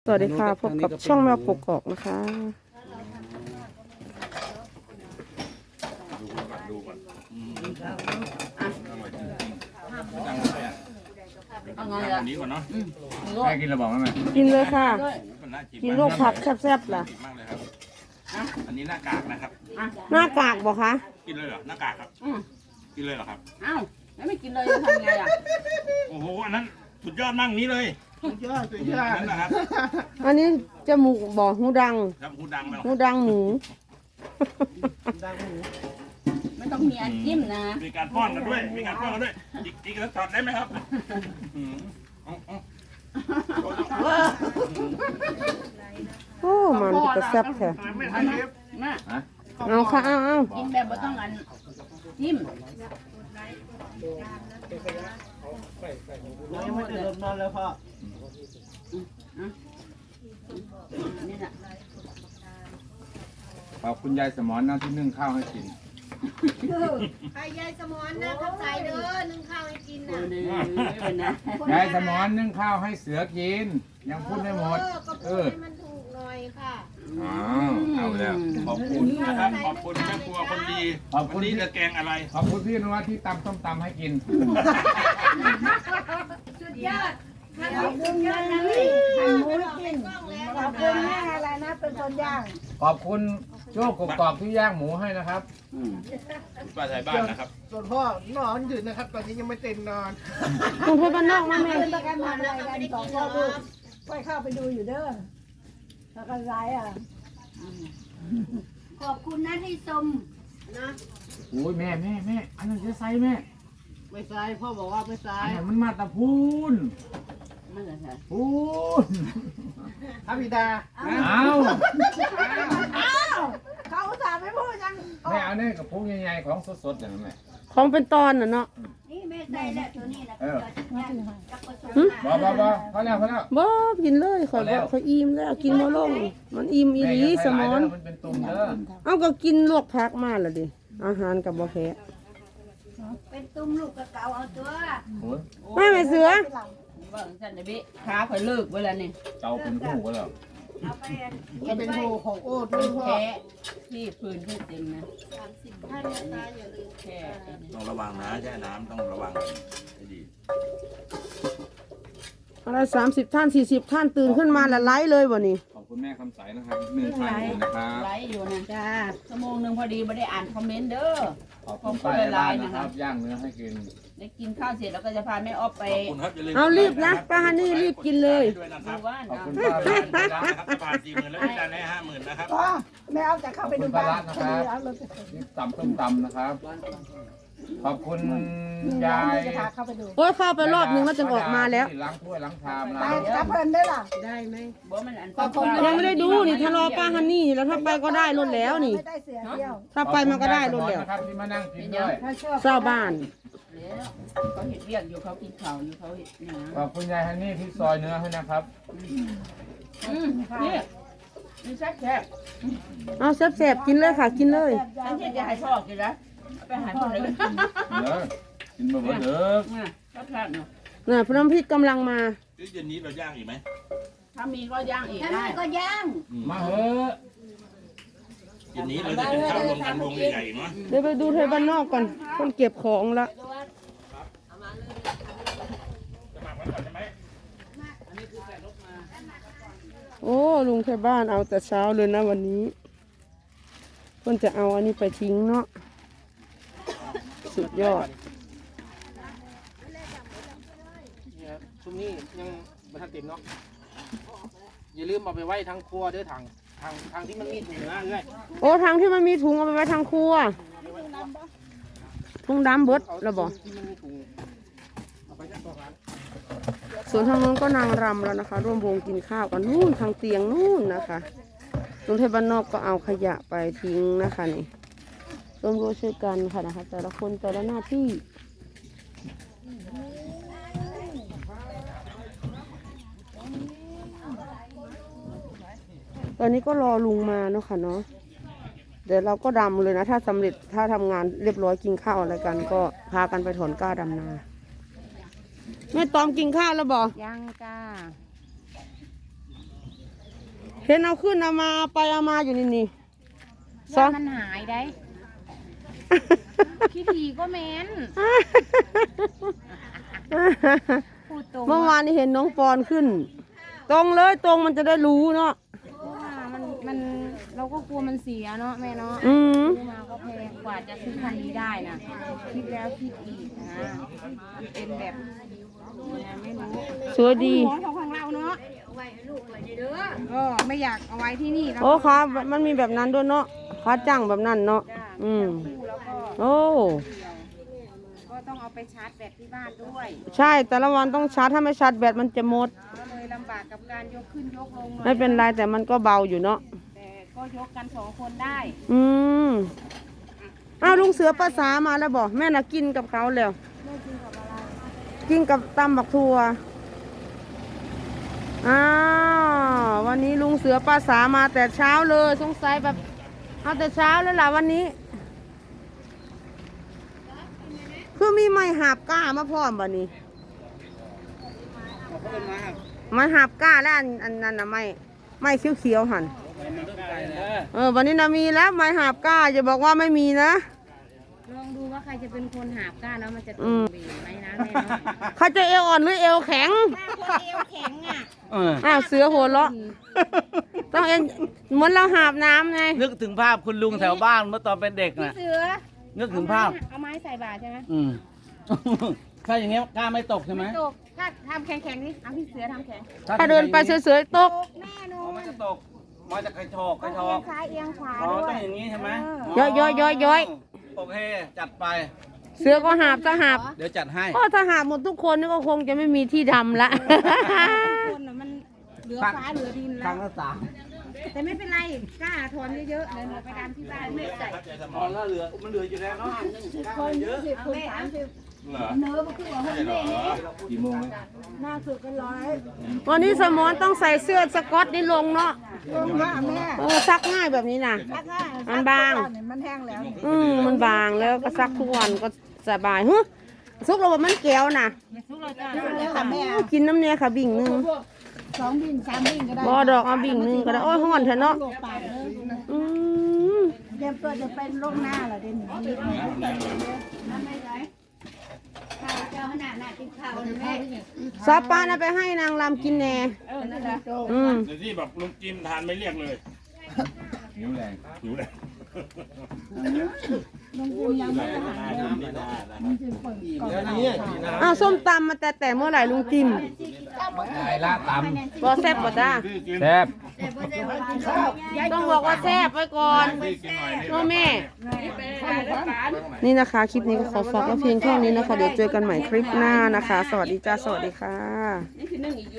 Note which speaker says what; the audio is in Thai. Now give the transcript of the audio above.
Speaker 1: สวัสดีค่ะพบกับช่องแมวกกอกนะคะ
Speaker 2: ดูก่อนเอาไงอ่ะนี้ก่อนเนาะแม่กินระบอกไหม
Speaker 1: กินเลยค่ะกินโรคผักแซ่บๆล่ะ
Speaker 2: มากเลยครับอันนี้หน้ากากนะครับ
Speaker 1: หน้ากากบอกคะ
Speaker 2: กินเลยเหรอหน้ากากครับกินเลยเหรอครับ
Speaker 3: อ้าวแล้วไม่กินเลยจะทำไงอ่ะ
Speaker 2: โอ้โหอันนั้นสุดยอดนั่งนี้เลยสุดยอดนั่นนะครับ
Speaker 1: อันนี้จมูกบอกหูดัง
Speaker 2: ครับหูดังไหม
Speaker 1: หูดังหมู
Speaker 3: ไม่ต้องมีอันจิ้มนะ
Speaker 2: มีการป้อนกันด้วยมีการป้อนกันด้วยอีกแล้วถอดได้ไหมครับ
Speaker 1: โอ้มันจะแซ่บแท้
Speaker 3: มา
Speaker 1: เอาค่ะเอา
Speaker 3: กินแบบไม่ต้องอันจิ้ม
Speaker 4: ยังไม่ตื่นนอนเลยพ่อ
Speaker 3: นี่น่ะ
Speaker 5: ขอบคุณยายสมอนนะที่นึ่งข้าวให้กิน
Speaker 6: ใครยายสมอนนะเขาใส่เด้อนึ่งข้าวให้กิน
Speaker 3: โอ้
Speaker 6: นะ
Speaker 3: ยไม่เป็นนะ
Speaker 5: ยายสมอนนึ่งข้าวให้เสือกิน ยังพูดไม่หมด
Speaker 6: ก็พูดให้มันถูกหน่อยค่ะ
Speaker 5: อ้าวเอาแล้ว
Speaker 2: ขอบคุณนะครับขอบคุณแม่ครัวคนดี
Speaker 5: ขอบคุณ
Speaker 2: วันนี้จะแกงอะไร
Speaker 5: ขอบคุณพี่นวัดที่ตำส้มตำให้กิน
Speaker 6: สุดยอดขอบคุณยอดนะพี่ทำหมูกินขอบคุณแม่อะไรนะเป็นคนย่าง
Speaker 5: ขอบคุณโชคกรอบที่ย่างหมูให้นะครับ
Speaker 2: ป้าไทยบ้านนะครับ
Speaker 4: ส่วนพ่อนอนอยู่นะครับ ตอนนี้ยังไม่เต็มนอน
Speaker 1: คุณเพื่อนบ้านนอกมาแม่
Speaker 6: เป็นประกันทำอะไรกันสองคนลูกไปเข้าไปดูอยู่เด้อแล้วก็ร้ายอ่ะขอบคุณนะที่ชมนะ
Speaker 5: โอ้ยแม่อันนั้นจะใส่แม่
Speaker 4: ไม่ใช่พ่อบอกว่าไม่ใช่
Speaker 5: อันนั้นมันมาตะพูน
Speaker 3: ไม่เป็นไร
Speaker 5: พูน
Speaker 4: พระบิดา
Speaker 5: เอา
Speaker 6: เขาอุตส่าห์ไม่พูดยัง
Speaker 5: แม่เอาเนี่ยกับพุงใหญ่ๆของสดๆอย่างนั้นแม่
Speaker 1: ของเป็นตอนน่ะเนาะ
Speaker 6: นี่แม่ใส่แล้วตัวนี้นะ
Speaker 5: เออ
Speaker 6: กับผสม
Speaker 5: บ่พอแล้ว
Speaker 1: บ่กินเลยข่อยบอกข่อยอิ่มแล้วกินบ่ลงมันอิ่มอีหลีสมอน
Speaker 5: มันเป็นตุ่มเด้อ
Speaker 1: เอาก็กินลวกผักมาแล้วดิอาหารกับบ่แพ้
Speaker 6: เป็นตุ้มลูกกระเกาเอาตัว
Speaker 5: โอ้ย
Speaker 1: ไม่แม่เสือ
Speaker 3: ว่าฉันจะบิขาคอยเลิกเวลานี่
Speaker 5: เจ้าเป็นหูก็แล้ว
Speaker 6: เอาไป
Speaker 4: จะเป็นโหของโอ๊ต
Speaker 3: เป็
Speaker 4: ด้วย
Speaker 3: น
Speaker 4: พ่อ
Speaker 3: แค่ที่พื้นที่เต็มนะ
Speaker 6: ให้แม่ตาอย่าลืม
Speaker 3: แค่
Speaker 2: ต้องระวังนะแช่น้ำต้องระวังให้ดี
Speaker 1: อะไร30 ท่าน40 ท่านตื่นขึ้นมาละไลฟ์เลยบ่นี่
Speaker 5: ขอบคุณแม่คำใสนะครับ1,000นะครับ
Speaker 3: ไลฟ์อยู่นะจ้าชั่วโมงหนึ่งพอดีไม่ได้อ่านคอมเมนต์เด้อ
Speaker 5: ขอบคุณป้าบ้านนะครับ ย่างเนื้อให้กิน
Speaker 3: ได้กินข้าวเสร็จแล้วก็จะพาแม่ออฟไป
Speaker 2: ขอบคุณครับอย่าลืม
Speaker 1: เอารีบนะป้าฮันนี่รีบกินเลย
Speaker 2: ด้วยนะค
Speaker 3: ดู
Speaker 2: รับ
Speaker 3: บ้าน
Speaker 5: ขอบ
Speaker 3: นะ
Speaker 5: คุณป้ารัตน์นะครับ
Speaker 2: นะครับจะผ่าน40,000แล้วพี่จานให้50,000นะครับ
Speaker 6: แม่เอาจะเข้าไปดูบ้าน
Speaker 5: นี่ตำส้มตำนะครับ ขอบคุณยาย
Speaker 6: จะพาเข้าไปดู
Speaker 1: โอ้ยเข้าไปรอบนึงแล้วจึงออกมาแล้ว
Speaker 5: ล้างถ้วยล้างชาม
Speaker 6: ไป
Speaker 5: ล้าง
Speaker 6: กับเพิ่นได้ล่ะ
Speaker 3: บ่มันอัน
Speaker 1: ยังไม่ได้ดูนี่ถ้ารอป้าฮันนี่แล้วถ้าไปก็ได้รถแล้วนี่
Speaker 6: ไม่ได้เสียเที่ยว
Speaker 1: ถ้าไปมันก็ได้รถแล้ว
Speaker 5: นะครับที่มานั่งกินด้วย
Speaker 6: ถ้าชอบ
Speaker 1: เจ้าบ้าน
Speaker 3: แล้วเขาเห็ดเรียกอยู่เขากินข้าวอยู่เขาเห็ดเนี่ย
Speaker 5: ขอบคุณยายฮันนี่ที่ซอยเนื้อให้นะครับ
Speaker 3: นี่นี่แซ่บแซ่บ
Speaker 1: เอาแซ่บๆกินเลยค่ะกินเลย
Speaker 3: ฉันที่จะให้พ่อกินนะไปหาพ่อเลย
Speaker 5: เด้อกินมาเบิดเด้อ
Speaker 3: แซ่บแซ่บเนาะ
Speaker 1: น่ะพน้ำพริกกำลังมา
Speaker 2: เย็นนี้เราย่างอีกไหม
Speaker 3: ถ้ามีก็ย่างอีก
Speaker 6: ถ้า
Speaker 3: ได้
Speaker 6: ไม่ก็ย่าง
Speaker 5: มาเถอะ
Speaker 2: เย็นนี้เราจะเป็นข้าวรวมกันวงใหญ่ๆเนาะ
Speaker 1: เดี๋ยวไปดูเทยบ้านนอกก่อนคนเก็บของละ
Speaker 2: จะหมักไว้ก่อนใช่ไหม
Speaker 1: โอ้ลุงเทยบ้านเอาแต่เช้าเลยนะวันนี้เพิ่นจะเอาอันนี้ไปทิ้งเนาะสุดยอด
Speaker 4: นี่ครับช่วงนี้ยังไม่ทันเต็มเนาะอย่าลืมเอาไปไว้ทางครัวเด้อทางที่มันมีถุงเนื้อด้วย
Speaker 1: โอ้ทางที่มันมีถุงเอาไปไว้ทางครัวถุงดำเบิดแล้วบอก
Speaker 4: ที่มันมีถุงเอาไปจากตัวร้าน
Speaker 1: ส่วนทางนู้นก็นางรำแล้วนะคะ ร่วมวงกินข้าวกันนู่นทางเตียงนู่นนะคะลุงเทพบ้านนอกก็เอาขยะไปทิ้งนะคะนี่ร่วมด้วยช่วยกันค่ะนะคะ แต่ละคนแต่ละหน้าที่ตอนนี้ก็รอลุงมาเนาะค่ะเนาะเดี๋ยวเราก็ดำเลยนะถ้าสำเร็จถ้าทำงานเรียบร้อยกินข้าวอะไรกัน ก็พากันไปถอนกล้าดำนาแม่ตอมกินข้าวแล้วบอก
Speaker 3: ย่างจ้า
Speaker 1: เห็นเอาขึ้นเอามาเอาไปเอามาอยู่นี่สอง
Speaker 3: มันหายได้ขี้ทีก็แม้นพูดตรง
Speaker 1: เมื่อวานนี้เห็นน้องปอนขึ้น ตรงเลยตรงมันจะได้รู้เนาะ
Speaker 3: มันเราก็กลัวมันเสียเนาะแม่เนาะ
Speaker 1: อืม
Speaker 3: ซื้อมาก็แพงกว่าจะซื้อคันนี้ได้นะคิดแล้วคิดอีกนะเป็นแบบไม่รู้
Speaker 1: สวยดี
Speaker 3: ของเราเนาะเอาไว้ลูกไว้เด้อก็ไม่อยากเอาไว้ที่นี่แล้ว
Speaker 1: โอ้ค่ะมันมีแบบนั้นด้วยเนาะขาจังแบบนั้นเนาะอืม
Speaker 3: แล้วก็
Speaker 1: โอ้
Speaker 3: ก็ต้องเอาไปชาร์จแบตที่บ้านด้วย
Speaker 1: ใช่แต่ละวันต้องชาร์จถ้าไม่ชาร์จแบตมันจะหมด
Speaker 3: ก็เลยลำบากกับการยกขึ้นยกลงหน่อย
Speaker 1: ไม่เป็นไรแต่มันก็เบาอยู่เนาะ
Speaker 3: แต่ก็ยกกัน2 คนได้
Speaker 1: อืมอ้าวลุงเสือภาษามาแล้วบอกแม่น่ะกินกับเขาแล้วกินกับตำบักทัวอ้าววันนี้ลุงเสือภาษามาแต่เช้าเลยสงสัยแบบเอาแต่เช้าเลยล่ะวันนี้ คือมีไม้หาบก้ามาพร้อมบ่นี้ไม้หาบก้าแล้วอันนั้นนะไม้เขียวๆหันวันนี้นะมีแล้วไม้หาบก้าอย่าบอกว่าไม่มีนะ
Speaker 3: ลองดูว่าใครจะเป็นคนหาบก้านแล้วมันจะต
Speaker 1: อื
Speaker 3: รง
Speaker 1: ม
Speaker 3: เบนไหมนะแม่เนาะ
Speaker 1: เขาจะเอวอ่อนหรือเอวแข็ง
Speaker 3: ถ้าคนเอวแข็งอ่ะ
Speaker 1: อ้าวเสือหัวเราะต้องเอ็นเหมือนเราหาบน้ำไง
Speaker 7: นึกถึงภาพคุณลุงแถวบ้านเมื่อตอนเป็นเด็ก
Speaker 3: พี่
Speaker 7: น่ะ
Speaker 3: เสือ
Speaker 7: นึกถึงภาพ
Speaker 3: เอาไม้ใส่บาตรใช่ไหม
Speaker 7: อืม ถ้าอย่างเงี้ยกล้าไม่ตกใช่ไหม
Speaker 3: ตกถ้าทำแข็งๆนี่เอาพี่เสือทำแข็ง
Speaker 1: ถ้าเดินไปเฉยๆตก
Speaker 3: แน่นอ
Speaker 7: อ๋อน มันจะตกมาจากกระชอกก
Speaker 3: ต้อ
Speaker 7: ระ
Speaker 3: ง
Speaker 7: ชอ
Speaker 3: เอีย
Speaker 7: ก
Speaker 3: งซ้ายเอียงขวา
Speaker 7: อ๋อ
Speaker 3: ด้ว
Speaker 7: ต้องอย่างนี้ใช่ไหม
Speaker 1: ย้อย
Speaker 7: โอเค จัดไป
Speaker 1: เสือก็หาบถ้าหาบ
Speaker 7: เดี๋ยวจัดให้
Speaker 1: ก็ถ้าหาบหมดทุกคนนี่ก็คงจะไม่มีที่ทำละ
Speaker 3: คนน่ะมันเหลือฟ้าเหลือดิน
Speaker 7: ค
Speaker 3: แล้
Speaker 7: รั้
Speaker 3: ว
Speaker 7: งละสาม
Speaker 3: แต่ไม่เป็นไรกล้าถอนเยอะๆเดี๋ยวหนูไปดำที่บ้านไม่ใส่
Speaker 7: อ๋อแล้วเหลือ มันเหลืออยู่แล้วเนาะ
Speaker 6: คน20 คน 30
Speaker 2: เหรอ
Speaker 6: เนื้อมันคือว่า
Speaker 2: ใช่เหรอ
Speaker 5: กี่โมงไหม
Speaker 6: หน้าสุดกันร้อย
Speaker 1: วันนี้สมอนต้องใส่เสื้อสก๊อตนี่ลงเนาะ
Speaker 6: ลงมาแม่
Speaker 1: ซักง่ายแบบนี้นะ
Speaker 6: ซักง่าย
Speaker 1: มันบาง
Speaker 6: มันแห้งแล้ว
Speaker 1: มันบางแล้วก็ซักทุกวันก็สบายฮึซุกเราแบบมันแก้วนะ
Speaker 6: แล้วค่ะแม่
Speaker 1: กินน้ำเนียค่ะบิ่งหนึง
Speaker 6: 2 บิ่ง 3 บิ่งก็ได้
Speaker 1: บ่ดอกเอาบิ่งหนึงก็ได้โอ้ยห้อนเถอะเนาะ
Speaker 6: โลกปากเลย
Speaker 1: อืม
Speaker 6: เตรียมตัวจะเป็นโรคหน้าเหรอเดี๋ยวนี้
Speaker 1: ซอปปลาน่ะไปให้นางรำกินแหน่อืม
Speaker 2: เดี๋ยวที่แบบลุงจิมทานไม่เรียกเลย
Speaker 5: หิวแรง
Speaker 2: หิวเลย
Speaker 6: ลุงจิมยังไม่ได้หาเลยลุงจิมเปิดก่อน
Speaker 4: แล้วนี่กินน้
Speaker 1: อ้าวส้มตำมาแต่เมื่อไหร่ลุงจิม
Speaker 5: ไก่ละต
Speaker 1: บ่แซ่บบ่จ้า
Speaker 2: พี่กิน
Speaker 5: ำแซ่บ
Speaker 1: ต้องบอกว่าแซ่บไว้ก่อน
Speaker 2: พี่กินหน่อยนี่
Speaker 1: พ่อแม่ นี่นะคะ คลิปนี้ก็ขอฝากไว้เพียงแค่นี้นะคะ เดี๋ยวเจอกันใหม่คลิปหน้านะคะ สวัสดีจ้า สวัสดีค่ะ